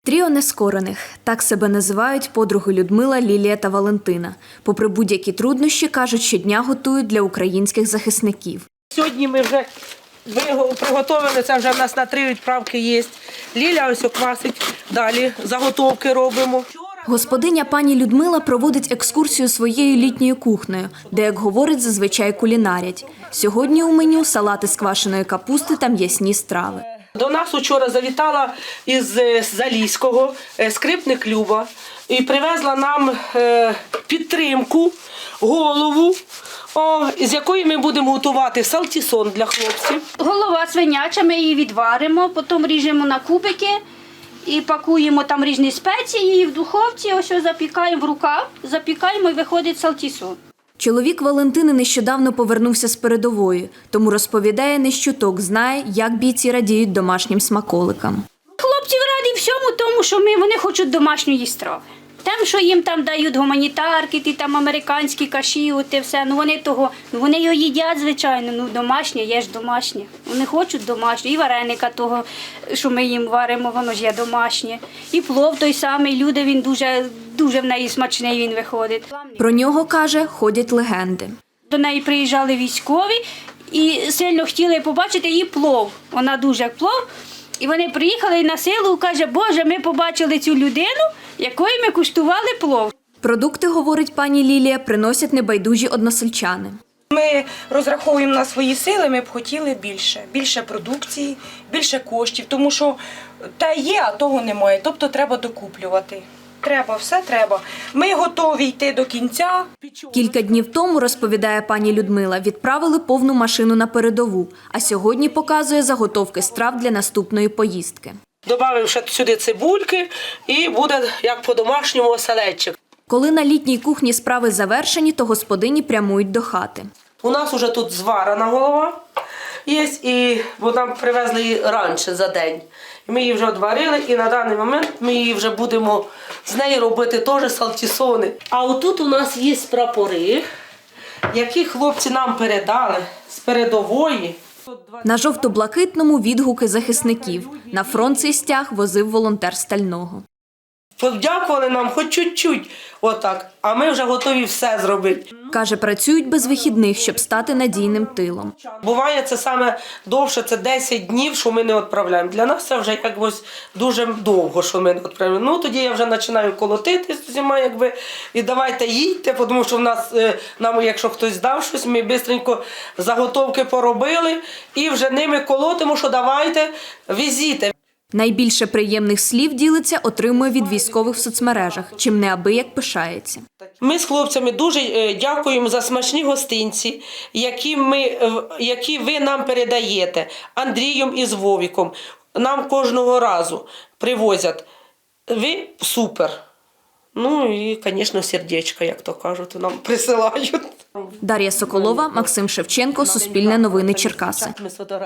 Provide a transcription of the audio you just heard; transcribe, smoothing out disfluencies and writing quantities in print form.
Тріо нескорених – так себе називають подруги Людмила, Лілія та Валентина. Попри будь-які труднощі, кажуть, щодня готують для українських захисників. Сьогодні ми вже приготовили, це вже в нас на 3 відправки є. Ліля ось квасить, далі заготовки робимо. Господиня пані Людмила проводить екскурсію своєю літньою кухнею, де, як говорить, зазвичай кулінарять. Сьогодні у меню салати з квашеної капусти та м'ясні страви. До нас вчора завітала із Заліського скрипник Люба і привезла нам підтримку, голову, з якої ми будемо готувати салтісон для хлопців. Голова свиняча, ми її відваримо, потім ріжемо на кубики і пакуємо там різні спеції, і в духовці ось запікаємо в рукав, запікаємо і виходить салтісон. Чоловік Валентини нещодавно повернувся з передової, тому розповідає, не щуток знає, як бійці радіють домашнім смаколикам. Хлопці раді всьому тому, що вони хочуть домашньої страви. Тим, що їм там дають гуманітарки, ті там американські каші, оте все, вони його їдять, звичайно, домашнє, є ж домашнє. Вони хочуть домашнє, і вареника того, що ми їм варимо, воно ж є домашнє. І плов той самий, люди, він дуже в неї смачний він виходить. Про нього, каже, ходять легенди. До неї приїжджали військові і сильно хотіли побачити її плов. Вона дуже як плов. І вони приїхали і на силу, каже, Боже, ми побачили цю людину, якої ми куштували плов. Продукти, говорить пані Лілія, приносять небайдужі односельчани. Ми розраховуємо на свої сили, ми б хотіли більше продукції, більше коштів, тому що те є, а того немає, тобто треба докуплювати. Все треба. Ми готові йти до кінця. Кілька днів тому, розповідає пані Людмила, відправили повну машину на передову, а сьогодні показує заготовки страв для наступної поїздки. Добавив ще сюди цибульки і буде, як по-домашньому, оселедчик. Коли на літній кухні справи завершені, то господині прямують до хати. У нас вже тут зварена голова є, бо нам привезли її раніше за день. Ми її вже одварили і на даний момент ми її вже будемо з неї робити теж салтісони. А отут у нас є прапори, які хлопці нам передали з передової. На жовто-блакитному відгуки захисників. На фронт цей стяг возив волонтер Стального. Подякували нам хоч чуть-чуть, отак, а ми вже готові все зробити. Каже, працюють без вихідних, щоб стати надійним тилом. Буває це саме довше, це 10 днів, що ми не відправляємо. Для нас це вже якось дуже довго, що ми не відправляємо. Ну, тоді я вже починаю колотити з усіма, і давайте їдьте, тому що в нас, нам, якщо хтось дав щось, ми швидко заготовки поробили і вже ними колотимо, що давайте, везіть. Найбільше приємних слів, ділиться, отримує від військових в соцмережах, чим неабияк пишається. Ми з хлопцями дуже дякуємо за смачні гостинці, які ви нам передаєте Андрієм і з Вовіком. Нам кожного разу привозять. Ви супер. Ну і, звісно, сердечко, як то кажуть, нам присилають. Дар'я Соколова, Максим Шевченко, Суспільне новини Черкаси.